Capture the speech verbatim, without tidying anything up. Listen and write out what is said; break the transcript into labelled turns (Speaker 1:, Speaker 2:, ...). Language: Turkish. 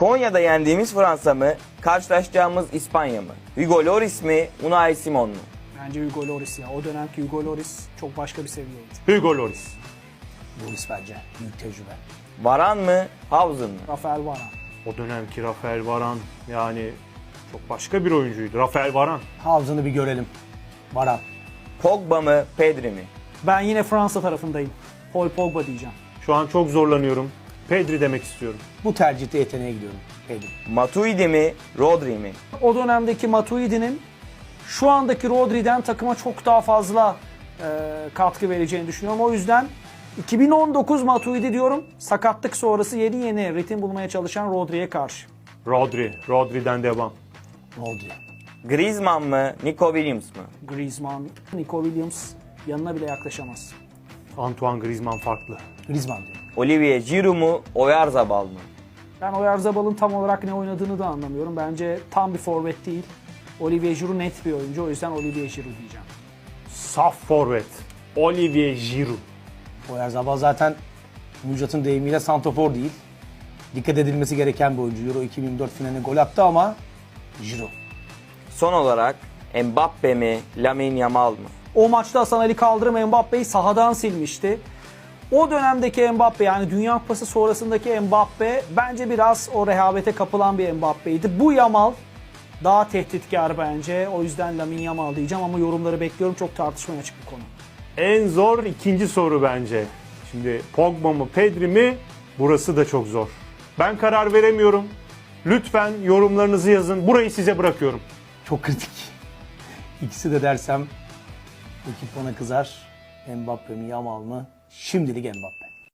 Speaker 1: Konya'da yendiğimiz Fransa mı, karşılaşacağımız İspanya mı? Hugo Lloris mi, Unai Simon mu?
Speaker 2: Bence Hugo Lloris ya. O dönemki Hugo Lloris çok başka bir seviyeydi.
Speaker 3: Hugo Lloris.
Speaker 4: Lloris bence. Büyük tecrübe.
Speaker 1: Varane mı, Hausen mı?
Speaker 2: Rafael Varane.
Speaker 3: O dönemki Rafael Varane yani çok başka bir oyuncuydu. Rafael Varane.
Speaker 4: Havzını bir görelim. Varan.
Speaker 1: Pogba mı, Pedri mi?
Speaker 2: Ben yine Fransa tarafındayım. Paul Pogba diyeceğim.
Speaker 3: Şu an çok zorlanıyorum. Pedri demek istiyorum.
Speaker 4: Bu tercihte yeteneğe gidiyorum. Pedri.
Speaker 1: Matuidi mi, Rodri mi?
Speaker 2: O dönemdeki Matuidi'nin şu andaki Rodri'den takıma çok daha fazla e, katkı vereceğini düşünüyorum. O yüzden iki bin on dokuz Matuidi diyorum. Sakatlık sonrası yeni yeni ritim bulmaya çalışan Rodri'ye karşı.
Speaker 3: Rodri. Rodri'den devam.
Speaker 4: Rodri.
Speaker 1: Griezmann mı, Nico Williams mı?
Speaker 2: Griezmann, Nico Williams yanına bile yaklaşamaz.
Speaker 3: Antoine Griezmann farklı.
Speaker 4: Griezmann diyorum.
Speaker 1: Olivier Giroud mu, Oyarzabal mı?
Speaker 2: Ben Oyarzabal'ın tam olarak ne oynadığını da anlamıyorum. Bence tam bir forvet değil. Olivier Giroud net bir oyuncu. O yüzden Olivier Giroud diyeceğim.
Speaker 3: Saf forvet. Olivier Giroud.
Speaker 4: Oyarzabal zaten Müjdat'ın deyimiyle santrafor değil. Dikkat edilmesi gereken bir oyuncu. Euro iki bin dört finaline gol attı ama Giroud.
Speaker 1: Son olarak Mbappe mi, Lamine Yamal mı?
Speaker 2: O maçta Hasan Ali Kaldırım Mbappe'yi sahadan silmişti. O dönemdeki Mbappe, yani Dünya Kupası sonrasındaki Mbappe bence biraz o rehavete kapılan bir Mbappe'ydi. Bu Yamal daha tehditkar bence. O yüzden Lamine Yamal diyeceğim ama yorumları bekliyorum. Çok tartışmaya açık bir konu.
Speaker 3: En zor ikinci soru bence. Şimdi Pogba mı Pedri mi? Burası da çok zor. Ben karar veremiyorum. Lütfen yorumlarınızı yazın. Burayı size bırakıyorum.
Speaker 4: Çok kritik. İkisi de dersem ekip bana kızar. Mbappe mi Yamal mı? Şimdilik Mbappe.